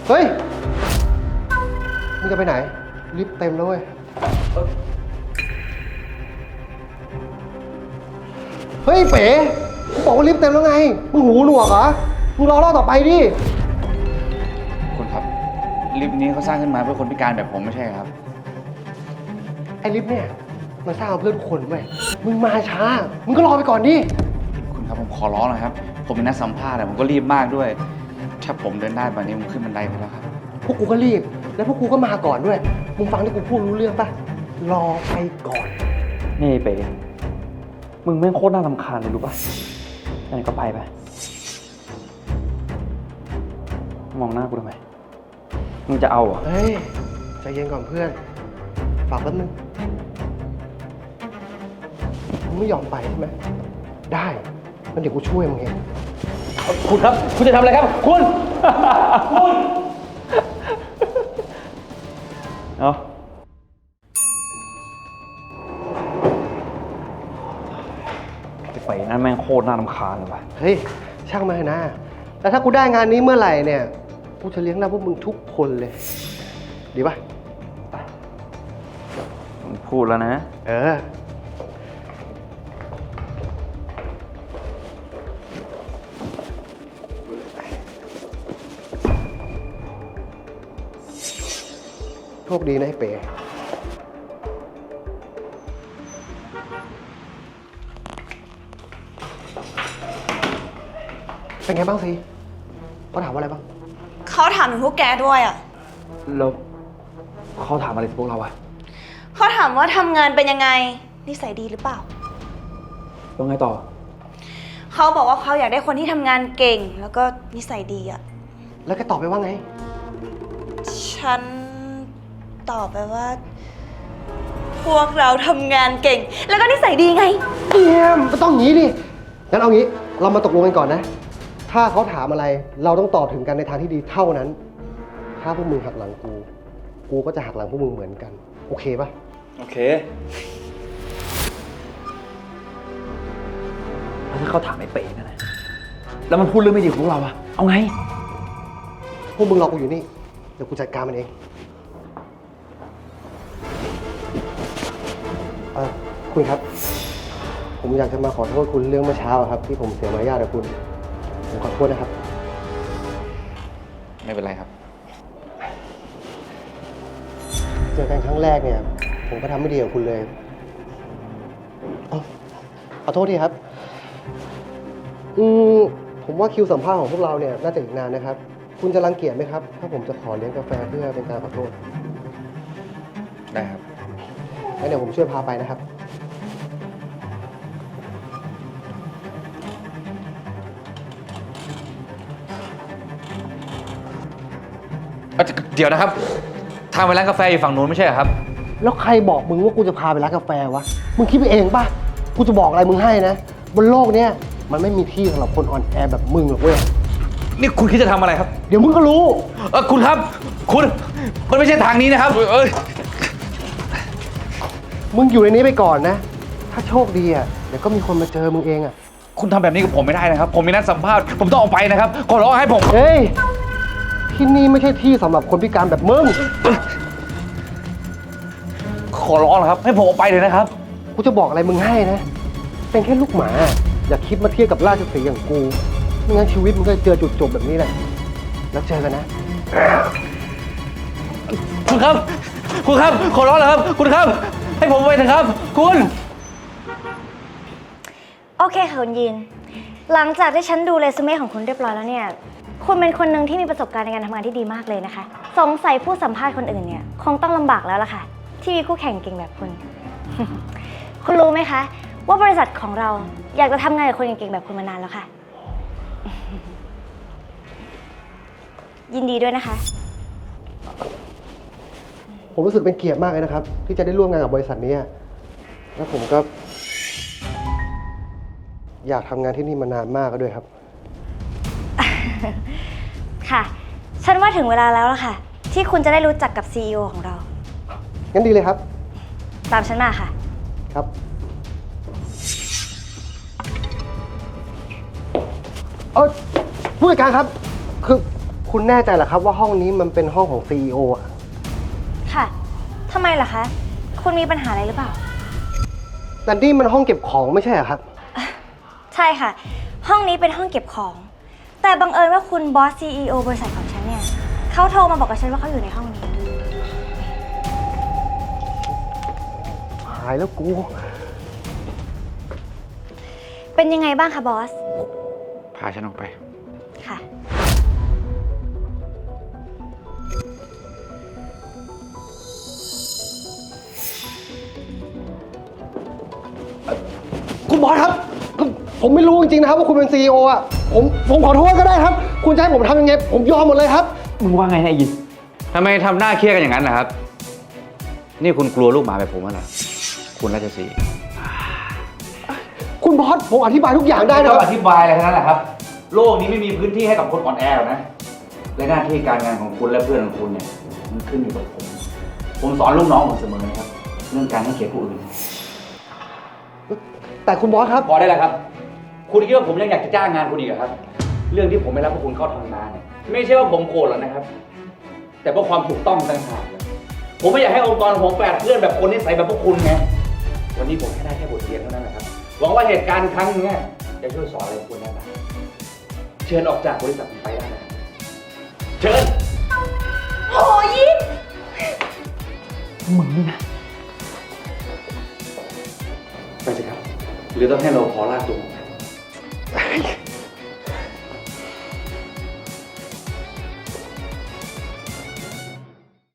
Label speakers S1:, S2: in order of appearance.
S1: เฮ้ยมึงจะไปไหนลิฟต์เต็มแล้วเว้ยเฮ้ยเป๋กูบอกว่าลิฟต์เต็มแล้วไงมึงหูหนวกเหรอมึงรอรอบต่อไปดิ
S2: คุณครับลิฟต์นี้เขาสร้างขึ้นมาเพื่อคนพิการแบบผมไม่ใช่ครับ
S1: ไอ้ลิฟต์เนี่ยมันสร้างเพื่อทุกคนเว้ยมึงมาช้ามึงก็รอไปก่อนดิ
S2: คุณครับผมขอร้องนะครับผมเป็นนักสัมภาษณ์ผมก็รีบมากด้วยถ้าผมเดินได้แบบนี้ผมขึ้นบันไดไปแล้วครับ
S1: พวกกูก็รีบแล้วพวกกูก็มาก่อนด้วยมึงฟังที่กูพูดรู้เรื่องปะรอไปก่อน
S3: นี่เป๋มึงแม่งโคตรน่ารำคาญเลยรู้ป่ะงั้นก็ไปมองหน้ากูทำไมมึงจะเอาเหรอ
S1: เฮ้ยใจเย็นก่อนเพื่อนฝากแป๊บนึงมึงไม่ยอมไปใช่ไหมได้งั้นเดี๋ยวกูช่วยมึงเอง
S3: คุณครับคุณจะทำอะไรครับคุณคุณเอาไปนั่นแม่งโคตรน่ารำคาญเลยว่ะ
S1: เฮ้ยช่างมาเถอะนะแต่ถ้ากูได้งานนี้เมื่อไหร่เนี่ยกูจะเลี้ยงดูพวกมึงทุกคนเลยดีป่ะ
S3: มึงพูดแล้วนะ
S1: โชคดีนะไอ้เป๋เป็นไงบ้างสิเขาถามว่าอะไรบ้าง
S4: เขาถามถึงพวกแกด้วยอ่ะ
S3: แล้วเขาถามอะไรพวกเราอะ
S4: เขาถามว่าทำงานเป็นยังไงนิสัยดีหรือเปล่า
S3: แล้วไงต่อ
S4: เขาบอกว่าเขาอยากได้คนที่ทำงานเก่งแล้วก็นิสัยดีอ่ะ
S1: แล้วแกตอบไปว่าไง
S4: ฉันตอบไปว่าพวกเราทำงานเก่งแล้วก็นิสัยดีไง
S1: เอี่ยมก็ต้องงี้ดิงั้นเอางี้เรามาตกลงกันก่อนนะถ้าเขาถามอะไรเราต้องตอบถึงกันในทางที่ดีเท่านั้นถ้าพวกมึงหักหลังกูก็จะหักหลังพวกมึงเหมือนกันโอเคปะ
S3: โอเคแล้วถ้าเขาถามไอ้เป๋นั่นนะแล้วมันพูดเรื่องไม่ดีของพวกเราอะเอาไง
S1: พวกมึงรอกูอยู่นี่เดี๋ยวกูจัดการมันเองคุณครับผมอยากจะมาขอโทษคุณเรื่องเมื่อเช้าครับที่ผมเสียมารยาทกับคุณผมขอโทษนะครับ
S2: ไม่เป็นไรครับ
S1: เจอกันครั้งแรกเนี่ยผมก็ทำไม่ดีกับคุณเลยขอโทษทีครับผมว่าคิวสัมภาษณ์ของพวกเราเนี่ยน่าจะอีกนานนะครับคุณจะรังเกียจไหมครับถ้าผมจะขอเลี้ยงกาแฟเพื่อเป็นการขอโทษ
S2: ได้ครับ
S1: งั้นเดี๋ยวผมช่วยพาไปนะครับ
S2: เดี๋ยวนะครับทางไปร้านกาแฟอยู่ฝั่งนู้นไม่ใช่เหรอครับ
S1: แล้วใครบอกมึงว่ากูจะพาไปร้านกาแฟวะมึงคิดไปเองป่ะกูจะบอกอะไรมึงให้นะบนโลกเนี้ยมันไม่มีที่สำหรับคนอ่อนแอแบบมึงหรอกเว้ย
S2: นี่คุณคิดจะทำอะไรครับ
S1: เดี๋ยวมึงก็รู้
S2: คุณครับคุณมันไม่ใช่ทางนี้นะครับ
S1: มึงอยู่ในนี้ไปก่อนนะถ้าโชคดีอ่ะเดี๋ยวก็มีคนมาเจอมึงเองอ่ะ
S2: คุณทำแบบนี้กับผมไม่ได้นะครับผมมีนัดสัมภาษณ์ผมต้องออกไปนะครับขอร้องให้ผม
S1: เฮ้ยที่นี่ไม่ใช่ที่สำหรับคนพิการแบบมึง
S2: ขอร้องนะครับให้ผมออกไปเลยนะครับ
S1: กูจะบอกอะไรมึงให้นะเป็นแค่ลูกหมาอย่าคิดมาเทียบกับราชสีห์อย่างกูไม่งั้นชีวิตมึงก็เจอจุดจบแบบนี้แหละแล้วเจอกันนะ
S2: คุณครับคุณครับขอร้องแล้วครับคุณครับให้ผมไปเถอะครับคุณ
S5: โอเคค่ะคุณยินหลังจากที่ฉันดูเรซูเม่ของคุณเรียบร้อยแล้วเนี่ยคุณเป็นคนหนึ่งที่มีประสบการณ์ในการทำงานที่ดีมากเลยนะคะสงสัยผู้สัมภาษณ์คนอื่นเนี่ยคงต้องลำบากแล้วล่ะค่ะที่มีคู่แข่งเก่งแบบคุณ คุณรู้ไหมคะว่าบริษัทของเราอยากจะทำงานกับคนเก่งๆแบบคุณมานานแล้วค่ะ ยินดีด้วยนะคะ
S1: ผมรู้สึกเป็นเกียรติมากเลยนะครับที่จะได้ร่วมงานกับบริษัทนี้แล้วผมก็อยากทำงานที่นี่มานานมากก็ด้วยครับ
S5: ค่ะฉันว่าถึงเวลาแล้วล่ะค่ะที่คุณจะได้รู้จักกับ CEO ของเรา
S1: งั้นดีเลยครับ
S5: ตามฉันมาค่ะ
S1: ครับผู้จัดการครับคือคุณคุณแน่ใจเหรอครับว่าห้องนี้มันเป็นห้องของ CEO อ่ะ
S5: ค่ะทำไมล่ะคะ คุณมีปัญหาอะไรหรือเปล่า
S1: แต่นี่มันห้องเก็บของไม่ใช่เหรอครับ
S5: ใช่ค่ะ ห้องนี้เป็นห้องเก็บของ แต่บังเอิญว่าคุณบอส CEO บริษัทของฉันเนี่ยเขาโทรมาบอกกับฉันว่าเขาอยู่ในห้องนี้
S1: หายแล้วกู
S5: เป็นยังไงบ้างคะบอส
S2: พาฉันออกไป
S5: ค่ะ
S1: คุณบอสครับ ผมไม่รู้จริงๆนะครับว่าคุณเป็น CEO อ่ะ ผมขอโทษก็ได้ครับ คุณจะให้ผมทำยังไง ผมยอมหมดเลยครับ
S3: มึงว่าไงนะไอ้ยิน
S2: ทำไมทำหน้าเครียดกันอย่างนั้นนะครับ นี่คุณกลัวลูกหมาแบบผมเหรอคุณราชสีห์
S1: คุณบอส ผมอธิบายทุกอย่างได้
S2: ไม่
S1: นะ
S2: ต้
S1: ค
S2: อง
S1: รับ
S2: อธิบายอะไรทั้งนั้นแหละครับ โลกนี้ไม่มีพื้นที่ให้กับคนอ่อนแอหรอกนะ และหน้าที่การงานของคุณและเพื่อนของคุณเนี่ย มันขึ้นอยู่กับผม ผมสอนลูกน้องผมเสมอนะครับ เรื่องการให้เกียรติผู้อื่น
S1: แต่คุณบอสครับ
S2: พอได้แล้วครับ คุณคิดว่าผมยังอยากจะจ้างงานคุณอีกเหรอครับ เรื่องที่ผมไม่รับพวกคุณเข้าทำงานเนี่ยไม่ใช่ว่าผมโกรธหรอกนะครับ แต่เพราะความถูกต้องต่างหากเลยผมไม่อยากให้องค์กรของผมแปดเพื่อนแบบคนนิสัยแบบพวกคุณไง วันนี้ผมแค่ได้แค่บทเรียนเท่านั้นแหละครับ หวังว่าเหตุการณ์ครั้งนี้จะช่วยสอนอะไรคุณได้บ้างเชิญออกจากบริษัทผมไปได้นะครับเชิญ
S4: โหยิน
S3: มึงนี่นะ
S2: ไปสิครับ หรือต้องให้เราพอลากตัวผม